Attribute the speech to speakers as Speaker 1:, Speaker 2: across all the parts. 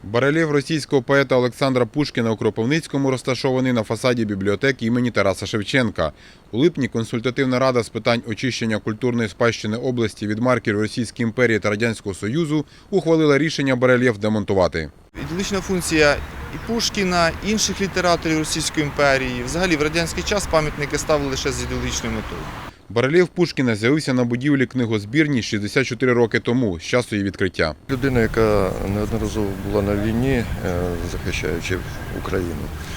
Speaker 1: Барельєф російського поета Олександра Пушкіна у Кропивницькому розташований на фасаді бібліотеки імені Тараса Шевченка. У липні консультативна рада з питань очищення культурної спадщини області від марків Російської імперії та Радянського Союзу ухвалила рішення барельєф демонтувати.
Speaker 2: Ідеологічна функція і Пушкіна, і інших літераторів Російської імперії. Взагалі в радянський час пам'ятники ставили лише з ідеологічною метою.
Speaker 1: Барельєф Пушкіна з'явився на будівлі книгозбірні 64 роки тому, з часу її відкриття.
Speaker 3: Людина, яка неодноразово була на війні, захищаючи Україну,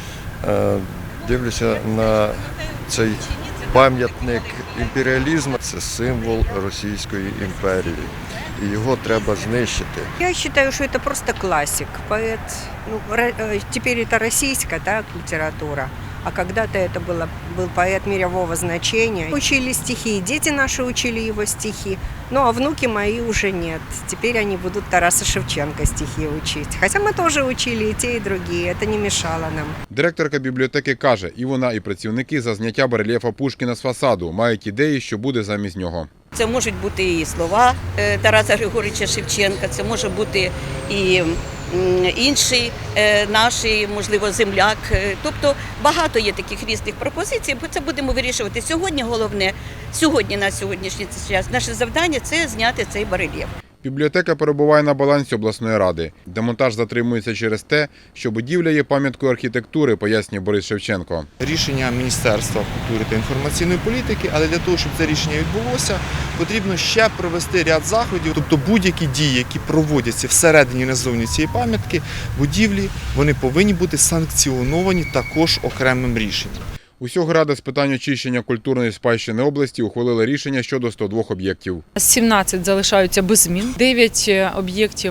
Speaker 3: дивлюся на цей пам'ятник імперіалізму. Це символ Російської імперії, і його треба знищити.
Speaker 4: Я считаю, что это просто классик, поэт. Теперь это российская литература, а когда-то это был поэт мирового значения. Учили стихи, дети наши учили его стихи, ну а внуки мои уже нет. Теперь они будут Тараса Шевченка стихи учить. Хотя мы тоже учили и те, и другие, это не мешало нам.
Speaker 1: Директорка бібліотеки каже, і вона, і працівники за зняття барельєфа Пушкіна з фасаду мають ідеї, що буде замість нього.
Speaker 5: Це можуть бути і слова Тараса Григоровича Шевченка, це може бути і інший наш, можливо, земляк. Тобто багато є таких різних пропозицій, бо це будемо вирішувати сьогодні. Головне, на сьогоднішній час наше завдання – це зняти цей барельєф.
Speaker 1: Бібліотека перебуває на балансі обласної ради. Демонтаж затримується через те, що будівля є пам'яткою архітектури, пояснює Борис Шевченко.
Speaker 2: Рішення Міністерства культури та інформаційної політики, але для того, щоб це рішення відбулося, потрібно ще провести ряд заходів. Тобто будь-які дії, які проводяться всередині і назовні цієї пам'ятки, будівлі, вони повинні бути санкціоновані також окремим рішенням.
Speaker 1: Усього Рада з питань очищення культурної спадщини області ухвалила рішення щодо 102 об'єктів.
Speaker 6: 17 залишаються без змін. 9 об'єктів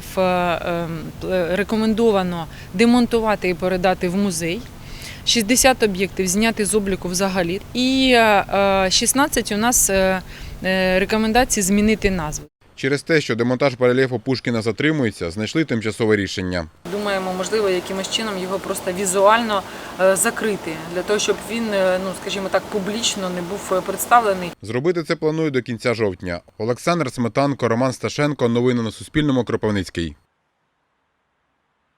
Speaker 6: рекомендовано демонтувати і передати в музей. 60 об'єктів зняти з обліку взагалі. І 16 у нас рекомендації змінити назву.
Speaker 1: Через те, що демонтаж барельєфу Пушкіна затримується, знайшли тимчасове рішення.
Speaker 6: Думаємо, можливо, якимось чином його просто візуально закрити, для того, щоб він, скажімо так, публічно не був представлений.
Speaker 1: Зробити це планують до кінця жовтня. Олександр Сметанко, Роман Сташенко. Новини на Суспільному. Кропивницький.